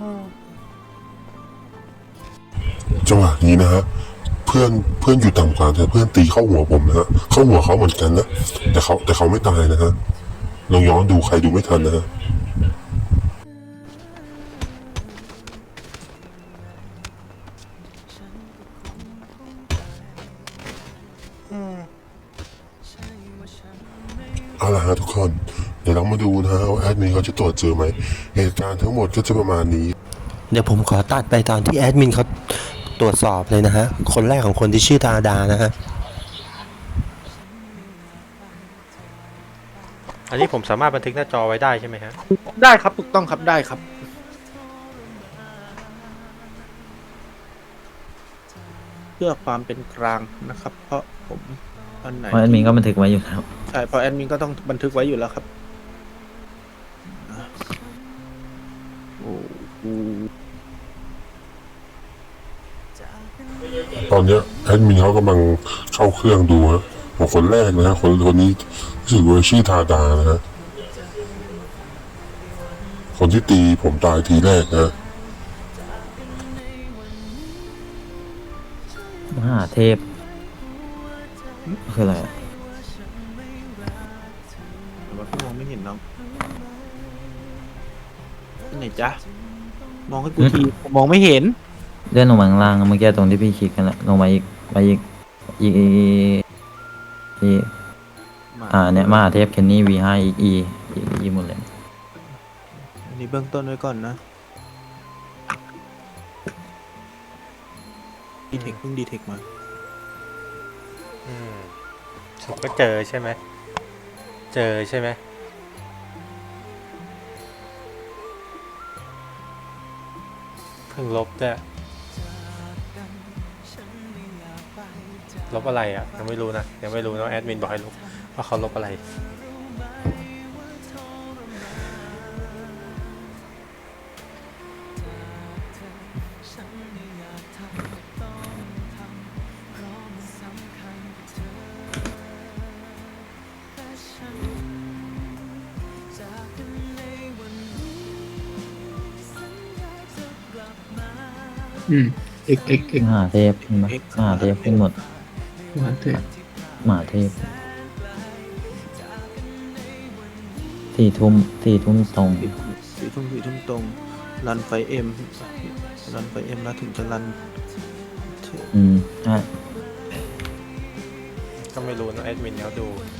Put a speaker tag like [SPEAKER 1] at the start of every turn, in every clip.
[SPEAKER 1] จังหวะนี้นะฮะเพื่อนอยู่ต่ำกว่าแต่เพื่อนตีเข้าหัวผมนะฮะเข้าหัวเขาเหมือนกันนะแต่เขาไม่ตายนะฮะลองย้อนดูใครดูไม่ทันนะฮะเอาล่ะฮะทุกคนเดี๋ยวเรามาดูนะฮะว่าแอดมินเขาจะตรวจเจอไหมเหตุการณ์ทั้งหมดก็จะประมาณนี้
[SPEAKER 2] เดี๋ยวผมขอตัดไปตอนที่แอดมินเขาตรวจสอบเลยนะฮะคนแรกของคนที่ชื่อธาดานะฮะอันนี้ผมสามารถบันทึกหน้าจอไว้ได้ใช่ไหมฮะ
[SPEAKER 3] ได้ครับถูกต้องครับได้ครับเพื่อความเป็นกลางนะครับเพราะผมอันไหน
[SPEAKER 4] เพราะแอดมินก็บันทึกไว้อยู่แล้ว
[SPEAKER 3] ใช่เพราะแอดมินก็ต้องบันทึกไว้อยู่แล้วครับโอ้โห
[SPEAKER 1] ตอนเนี้ยแอดมินเขากำลังเข้าเครื่องดูฮะของคนแรกนะฮะคนนี้รู้สึกว่าชื่อธาดานะฮะคนที่ตีผมตายทีแรกนะ
[SPEAKER 4] มหาเทพคืออะไรอะ
[SPEAKER 3] แต่ว่าพี่มองไม่เห็นน้องที่ไหนจ๊ะมองให้กูทีผมมองไม่เห็น
[SPEAKER 4] เลื่อนลงมาข้างล่างเมื่อกี้ตรงที่พี่คลิกกันแหละลงมาอีกไปอีกเนี่ยมหาเทพเคนนี่ V5 อีกหมดเลย
[SPEAKER 3] อันนี้เบื้องต้นไว้ก่อนนะดีเทคเพิ่งดีเทคมา
[SPEAKER 2] ผมก็เจอใช่ไหมเจอใช่ไหมเพิ่งลบด้วยลบอะไรอ่ะยังไม่รู้นะยังไม่รู้นะแอดมินบอกให้ลบว่าเขาลบอะไร
[SPEAKER 4] มหาเทพเห็นไหมมหาเทพขึ้นหมดมหาเทพ4 ทุ่มตรง
[SPEAKER 3] สี่ทุ่มตรงรันไฟเอ็มแล้วถึงจะรัน
[SPEAKER 4] ใช่
[SPEAKER 2] ก็ไม่รู้นะแอดมินเขาดู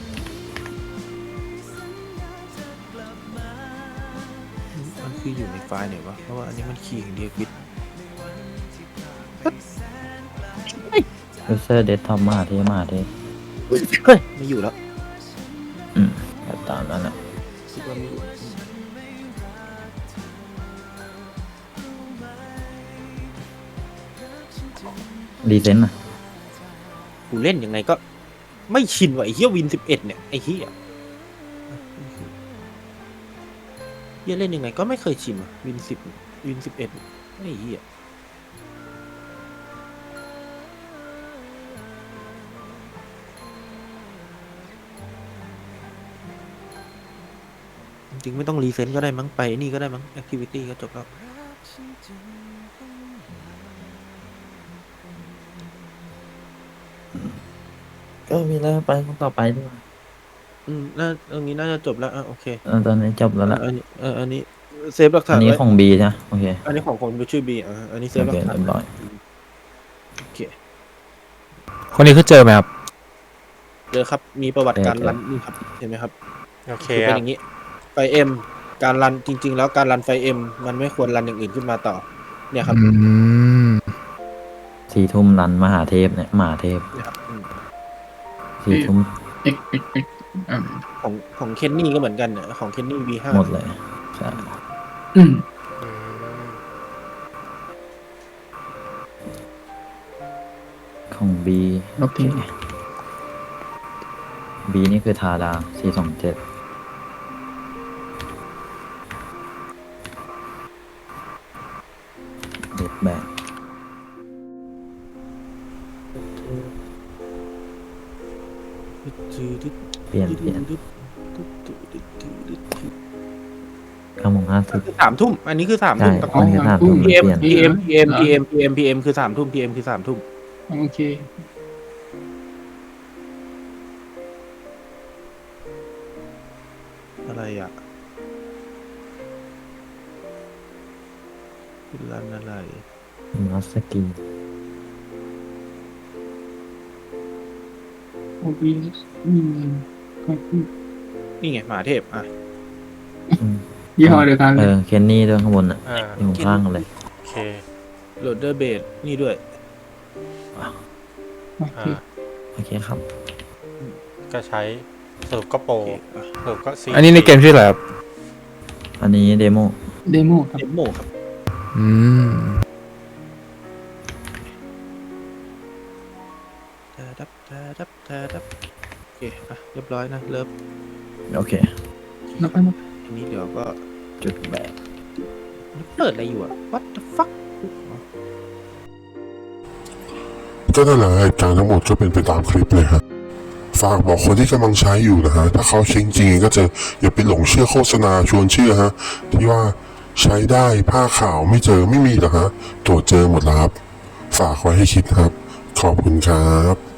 [SPEAKER 3] มันคืออยู่ในไฟล์ไหนวะเพราะว่าอันนี้มันคีย์อย่างเดียวปิด
[SPEAKER 4] ยูเซอร์เดสก์ท็อปมหาเทพ
[SPEAKER 3] เฮ้ยไม่อยู่แล้ว
[SPEAKER 4] แบบตามนั้นแหละ
[SPEAKER 3] คิดว่าไม่อยู่
[SPEAKER 4] ดีเซนต์นะ
[SPEAKER 3] กูเล่นยังไงก็ไม่ชินว่ะไอ้เหี้ยวิน11เนี่ยไอ้เหี้ยเล่นยังไงก็ไม่เคยชินว่ะวิน10วิน11ไอ้เหี้ยจริงๆไม่ต้องรีเซ็นก็ได้มั้งไปนี่ก็ได้มั้งแอคทิวิตี้ก็จบแล้ว
[SPEAKER 4] ก็มีแล้วไปคนต่อไปด้วย
[SPEAKER 3] ตรงนี้น่าจะจบแล้วโอเค
[SPEAKER 4] ตอนนี้จบแล้วล่ะ
[SPEAKER 3] อันนี้เซฟหลักฐา
[SPEAKER 4] อั
[SPEAKER 3] น
[SPEAKER 4] นนี้
[SPEAKER 3] ไว้
[SPEAKER 4] ของบีนะโอเค
[SPEAKER 3] อันนี้ของคนชื่อบีอันนี้เซ
[SPEAKER 4] โอ
[SPEAKER 3] ฟหลั
[SPEAKER 4] เค
[SPEAKER 3] กฐาน
[SPEAKER 4] เรียบร้อย
[SPEAKER 3] โอเค
[SPEAKER 5] คนนี้คือเจอไหมครับ
[SPEAKER 3] เจอครับมีประวัติการรันนี่ครับเห็นไหมครับ
[SPEAKER 2] โอเค
[SPEAKER 3] คือเป็นอย่างนี้ไฟเอ็มการรันจริงๆแล้วการรันไฟเอ็มมันไม่ควรรันอย่างอื่นขึ้นมาต่อเนี่ยครับ
[SPEAKER 4] 4 ทุ่มรันมหาเทพเนี่ยมหาเทพ
[SPEAKER 3] เนี่ยครับ
[SPEAKER 4] 4 ทุ่ม
[SPEAKER 3] ของเคนนี่ก็เหมือนกันเนี่ยของเคนนี่ V5
[SPEAKER 4] หมดเลยใช่ของบีโอเคบีนี่คือทาดา427เด็ดแบกเปลี่ยน 9:50
[SPEAKER 3] คือ3 ทุ่มอันนี้คือ3 ทุ่ม
[SPEAKER 4] ใช่
[SPEAKER 3] ตะกอน
[SPEAKER 4] มันคือ3 ทุ่ม
[SPEAKER 3] PM
[SPEAKER 4] เปลี่ยน
[SPEAKER 3] PM คือ3 ทุ่ม PM คือ3 ทุ่ม
[SPEAKER 6] โอเค
[SPEAKER 3] อะไรอ่ะคือรันอะไร
[SPEAKER 4] มัสกี
[SPEAKER 6] โอเคขอบคุณ
[SPEAKER 3] นี่ไงหมาเทพอ่ะ
[SPEAKER 6] ยี่ห้อเดียวกันเลย
[SPEAKER 4] เคนนี่ด้วยข้างบนอ่ะ
[SPEAKER 7] อ่า
[SPEAKER 4] อยู่ข้างกันเลย
[SPEAKER 7] โอเค
[SPEAKER 3] โหลดเดอร์เบสนี่ด้วย
[SPEAKER 6] โอเค
[SPEAKER 7] อ่า
[SPEAKER 4] โอเคครับ
[SPEAKER 7] ก็ใช้สรุปก็โปร
[SPEAKER 3] โอเคอ่ะ
[SPEAKER 7] สรุปก็ซี
[SPEAKER 5] อันนี้ในเกมชื่ออะไรครับ
[SPEAKER 4] อันนี้เดโม
[SPEAKER 6] เดโมครับ
[SPEAKER 3] เดโมครับ
[SPEAKER 5] อืม
[SPEAKER 3] โอเคอ่ะเรียบร้อยนะเริ่ม
[SPEAKER 4] โอเค
[SPEAKER 6] แล้วก็
[SPEAKER 3] อันนี้เดี๋ยวก็
[SPEAKER 4] จุดแบบ
[SPEAKER 3] เปิดอะไรอยู่อ่ะ what the fuck
[SPEAKER 1] ก็นั่นแหละเหตุการณ์ทั้งหมดก็เป็นไปตามคลิปเลยฮะฝากบอกคนที่กำลังใช้อยู่นะฮะถ้าเขาเช็งจริงก็จะอย่าไปหลงเชื่อโฆษณาชวนเชื่อฮะที่ว่าใช้ได้ผ้าขาวไม่เจอไม่มีหรอกฮะตรวจเจอหมดแล้วครับฝากไว้ให้คิดครับขอบคุณครับ